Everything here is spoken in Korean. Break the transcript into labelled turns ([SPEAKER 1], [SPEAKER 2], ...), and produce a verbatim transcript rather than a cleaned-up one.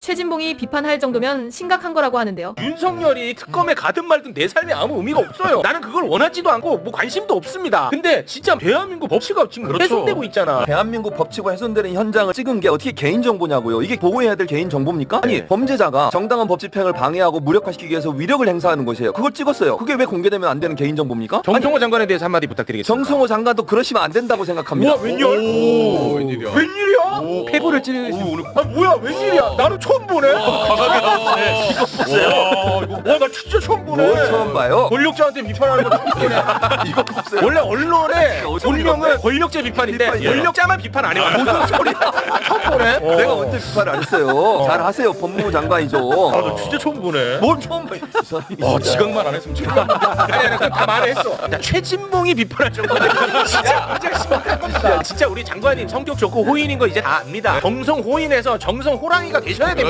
[SPEAKER 1] 최진봉이 비판할 정도면 심각한 거라고 하는데요.
[SPEAKER 2] 윤석열이 특검에 가든 말든 내 삶에 아무 의미가 없어요. 나는 그걸 원하지도 않고 뭐 관심도 없습니다. 근데 진짜 대한민국 법치가 지금
[SPEAKER 3] 그렇죠.
[SPEAKER 2] 훼손되고 있잖아.
[SPEAKER 3] 대한민국 법치고 훼손되는 현장을 찍은 게 어떻게 개인정보냐고요. 이게 보호해야 될 개인정보입니까? 아니
[SPEAKER 2] 네.
[SPEAKER 3] 범죄자가 정당한 법 집행을 방해하고 무력화시키기 위해서 위력을 행사하는 것이에요. 그걸 찍었어요. 그게 왜 공개되면 안 되는 개인정보입니까?
[SPEAKER 2] 정성호 장관에 대해서 한마디 부탁드리겠습니다.
[SPEAKER 3] 정성호 장관도 그러시면 안 된다고 생각합니다.
[SPEAKER 2] 우와 웬열?
[SPEAKER 4] 오, 웬일이야?
[SPEAKER 2] 웬일이야? 폐부를 찌르신 아 뭐야 웬일이야? 나는 처음 보네.
[SPEAKER 4] 강하게 나오네.
[SPEAKER 2] 이거 보세요. 와 나 진짜 처음 보네.
[SPEAKER 3] 뭘 처음 봐요?
[SPEAKER 2] 권력자한테 비판하는 거 처음 보네.
[SPEAKER 3] 이거 보세요.
[SPEAKER 2] 원래 언론의
[SPEAKER 3] 어쩜
[SPEAKER 2] 본명은
[SPEAKER 3] 이건데?
[SPEAKER 2] 권력자 비판인데
[SPEAKER 3] 비판이에요.
[SPEAKER 2] 권력자만 비판 안 해요. 무슨 소리야? 처음 보네.
[SPEAKER 3] 내가 언제 비판을 안 했어요. 잘 하세요. 법무부 장관이죠.
[SPEAKER 2] 아, 나 진짜 처음 보네.
[SPEAKER 3] 뭘 처음 봐.
[SPEAKER 2] 어, 지각만 안 했으면 좋겠다. 아니, 아니, 그냥 다 말했어. 자, 최진봉이 비판할 정도면 진짜 문제가 심각한 겁니다. 진짜 우리 장관님 성격 좋고 호인인 거 이제 다 압니다. 정성 호인에서 정성 호랑이가 되셔야 됩니다.